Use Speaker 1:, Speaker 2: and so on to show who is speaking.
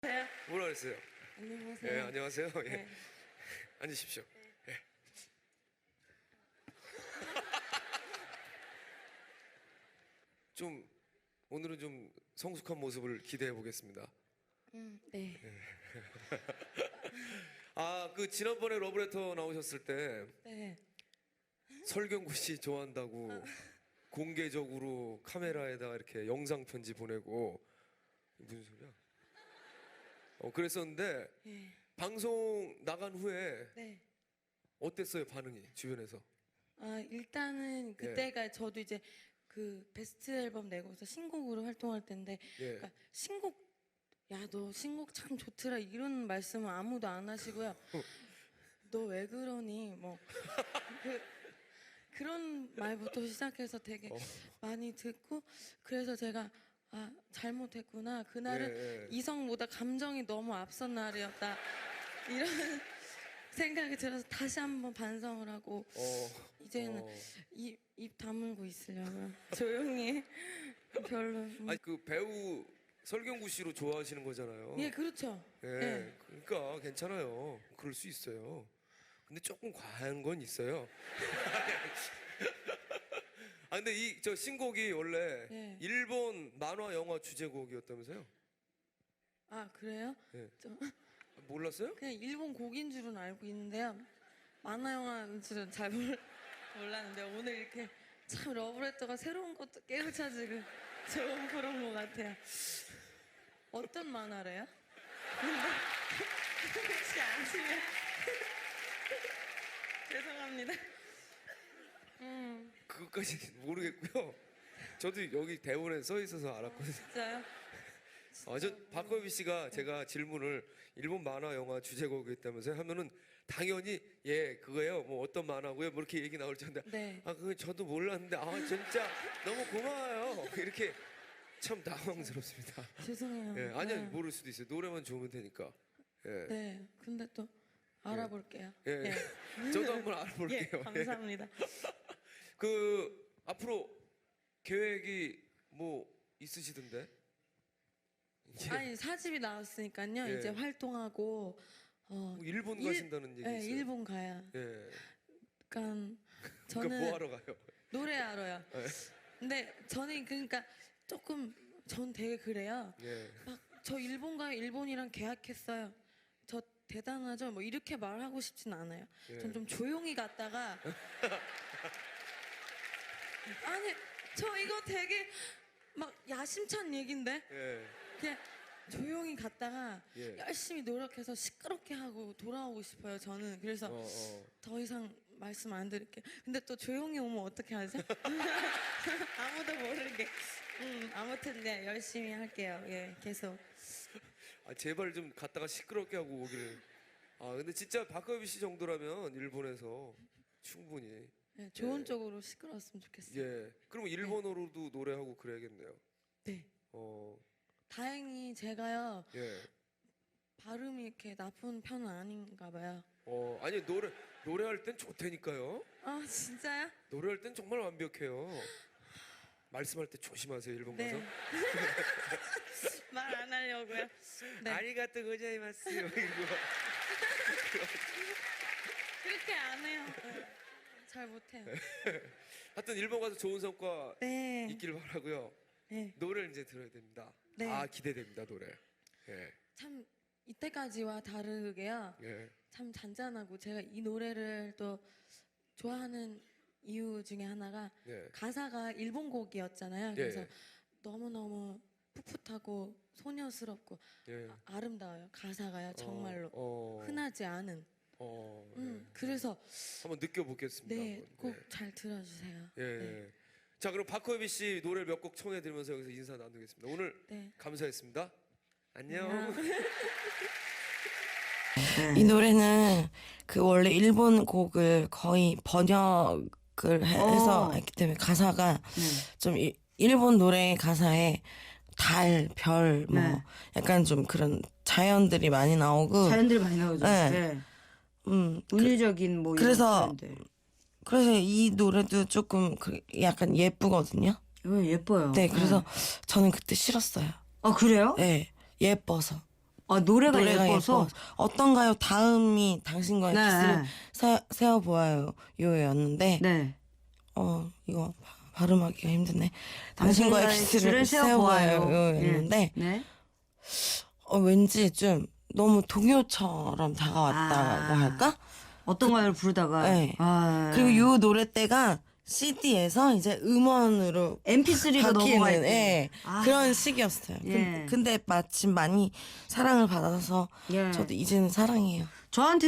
Speaker 1: 네.
Speaker 2: 뭐라 그랬어요?
Speaker 1: 안녕하세요.
Speaker 2: 예, 안녕하세요. 예.
Speaker 1: 네.
Speaker 2: 앉으십시오. 예. 좀 오늘은 좀 성숙한 모습을 기대해 보겠습니다.
Speaker 1: 네.
Speaker 2: 아, 그 지난번에 러브레터 나오셨을 때
Speaker 1: 네.
Speaker 2: 설경구 씨 좋아한다고 공개적으로 카메라에다 이렇게 영상 편지 보내고 무슨 소리야? 그랬었는데
Speaker 1: 네.
Speaker 2: 방송 나간 후에
Speaker 1: 네.
Speaker 2: 어땠어요, 반응이 주변에서?
Speaker 1: 일단은 그때가 저도 이제 그 베스트 앨범 내고서 신곡으로 활동할 때인데,
Speaker 2: 예.
Speaker 1: 그러니까 신곡, 야, 너 신곡 참 좋더라, 이런 말씀은 아무도 안 하시고요. 너 왜 그러니? 뭐 그런 말부터 시작해서 되게 많이 듣고, 그래서 제가 잘못했구나. 그날은
Speaker 2: 예.
Speaker 1: 이성보다 감정이 너무 앞선 날이었다, 이런 생각이 들어서 다시 한번 반성을 하고 이제는 입 다물고 있으려면 조용히 별로.
Speaker 2: 아니 그 배우 설경구 씨로 좋아하시는 거잖아요.
Speaker 1: 예, 그렇죠.
Speaker 2: 예,
Speaker 1: 예.
Speaker 2: 그러니까 괜찮아요. 그럴 수 있어요. 근데 조금 과한 건 있어요. 아 근데 이 저 신곡이 원래
Speaker 1: 예.
Speaker 2: 일본 만화 영화 주제곡이었다면서요?
Speaker 1: 그래요?
Speaker 2: 예.
Speaker 1: 좀
Speaker 2: 몰랐어요?
Speaker 1: 그냥 일본 곡인 줄은 알고 있는데요. 만화 영화인 줄은 잘 몰랐는데 오늘 이렇게 참 러브레터가 새로운 것도 깨우쳐지고 좋은 그런 것 같아요. 어떤 만화래요? 혹시 아시면 죄송합니다.
Speaker 2: 그것까지 모르겠고요. 저도 여기 대본에 써 있어서 알았거든요.
Speaker 1: 진짜요?
Speaker 2: 저 박거비 씨가 제가 질문을 일본 만화 영화 주제곡이었다면서요 하면은 당연히 예 그거예요 뭐 어떤 만화고요 뭐 이렇게 얘기 나올 텐데
Speaker 1: 네.
Speaker 2: 그거 저도 몰랐는데 진짜 너무 고마워요 이렇게 참 당황스럽습니다.
Speaker 1: 죄송해요.
Speaker 2: 예 아니요
Speaker 1: 네.
Speaker 2: 모를 수도 있어요. 노래만 좋으면 되니까. 예.
Speaker 1: 네. 근데 또 알아볼게요.
Speaker 2: 예. 저도 한번 알아볼게요.
Speaker 1: 예, 감사합니다.
Speaker 2: 그 앞으로 계획이 뭐 있으시던데?
Speaker 1: 아니, 사집이 나왔으니까요.
Speaker 2: 예.
Speaker 1: 이제 활동하고
Speaker 2: 뭐 일본 가신다는 얘기
Speaker 1: 네,
Speaker 2: 있어요.
Speaker 1: 일본 가요.
Speaker 2: 예.
Speaker 1: 그러니까
Speaker 2: 그러니까
Speaker 1: 저는
Speaker 2: 뭐 하러 가요?
Speaker 1: 노래하러요.
Speaker 2: 예.
Speaker 1: 근데 저는 그러니까 조금 전 되게 그래요.
Speaker 2: 예.
Speaker 1: 막 저 일본 가요. 일본이랑 계약했어요. 저 대단하죠. 뭐 이렇게 말하고 싶진 않아요.
Speaker 2: 예.
Speaker 1: 전 좀 조용히 갔다가 아니 저 이거 되게 막 야심찬 얘긴데
Speaker 2: 예.
Speaker 1: 그냥 조용히 갔다가
Speaker 2: 예.
Speaker 1: 열심히 노력해서 시끄럽게 하고 돌아오고 싶어요. 저는 그래서 더 이상 말씀 안 드릴게요. 근데 또 조용히 오면 어떻게 하죠? 아무도 모르게. 아무튼 네, 열심히 할게요. 예, 계속.
Speaker 2: 제발 좀 갔다가 시끄럽게 하고 오기를. 근데 진짜 박가비 씨 정도라면 일본에서 충분히.
Speaker 1: 네, 좋은 쪽으로 시끄러웠으면 좋겠어요.
Speaker 2: 예. 그러면 일본어로도 노래하고 그래야겠네요.
Speaker 1: 네.
Speaker 2: 어.
Speaker 1: 다행히 제가요
Speaker 2: 예.
Speaker 1: 발음이 이렇게 나쁜 편은 아닌가 봐요.
Speaker 2: 아니 노래할 땐 좋다니까요.
Speaker 1: 진짜요?
Speaker 2: 노래할 땐 정말 완벽해요. 말씀할 때 조심하세요 일본 가서.
Speaker 1: 네. 말 안 하려고요. 네.
Speaker 2: 아리가또 고자이마스 이거.
Speaker 1: 그렇게 안 해요. 네. 잘 못해요.
Speaker 2: 하여튼 일본 가서 좋은 성과
Speaker 1: 네.
Speaker 2: 있길 바라고요.
Speaker 1: 네.
Speaker 2: 노래를 이제 들어야 됩니다.
Speaker 1: 네.
Speaker 2: 기대됩니다 노래. 예.
Speaker 1: 참 이때까지와 다르게요.
Speaker 2: 예.
Speaker 1: 참 잔잔하고 제가 이 노래를 또 좋아하는 이유 중에 하나가
Speaker 2: 예.
Speaker 1: 가사가 일본 곡이었잖아요.
Speaker 2: 예.
Speaker 1: 그래서 너무너무 풋풋하고 소녀스럽고
Speaker 2: 예.
Speaker 1: 아름다워요. 가사가요. 정말로
Speaker 2: 어.
Speaker 1: 흔하지 않은.
Speaker 2: 예.
Speaker 1: 그래서
Speaker 2: 한번 느껴보겠습니다.
Speaker 1: 네,
Speaker 2: 한번.
Speaker 1: 꼭 잘 들어주세요.
Speaker 2: 예.
Speaker 1: 네.
Speaker 2: 자 그럼 박호비 씨 노래 몇 곡 청해드리면서 여기서 인사 나누겠습니다. 오늘
Speaker 1: 네.
Speaker 2: 감사했습니다. 안녕.
Speaker 3: 이 노래는 그 원래 일본 곡을 거의 번역을 해서 했기 때문에 가사가 좀 일본 노래 가사에 달, 별, 뭐
Speaker 4: 네.
Speaker 3: 약간 좀 그런 자연들이 많이 나오고
Speaker 4: 자연들이 많이 나오죠.
Speaker 3: 네.
Speaker 4: 네.
Speaker 3: 음
Speaker 4: 운율적인 뭐
Speaker 3: 그래서
Speaker 4: 이런 자연들.
Speaker 3: 그래서 이 노래도 조금 약간 예쁘거든요.
Speaker 4: 예뻐요.
Speaker 3: 네, 그래서 저는 그때 싫었어요.
Speaker 4: 그래요?
Speaker 3: 네, 예뻐서.
Speaker 4: 노래가 예뻐서.
Speaker 3: 어떤가요? 다음이 당신과의
Speaker 4: 네.
Speaker 3: 키스를 세어보아요 요였는데
Speaker 4: 네.
Speaker 3: 이거 발음하기가 힘드네. 당신과의 키스를
Speaker 4: 세어보아요.
Speaker 3: 세어보아요였는데
Speaker 4: 네.
Speaker 3: 왠지 좀 너무 동요처럼 다가왔다고 할까?
Speaker 4: 어떤 가요를 부르다가.
Speaker 3: 네.
Speaker 4: 아.
Speaker 3: 그리고 요 노래 때가 CD에서 이제 음원으로
Speaker 4: MP3로 넘어갈 때.
Speaker 3: 예,
Speaker 4: 아.
Speaker 3: 그런 시기였어요.
Speaker 4: 예.
Speaker 3: 근데 마침 많이 사랑을 받아서
Speaker 4: 예.
Speaker 3: 저도 이제는 사랑해요.
Speaker 4: 저한테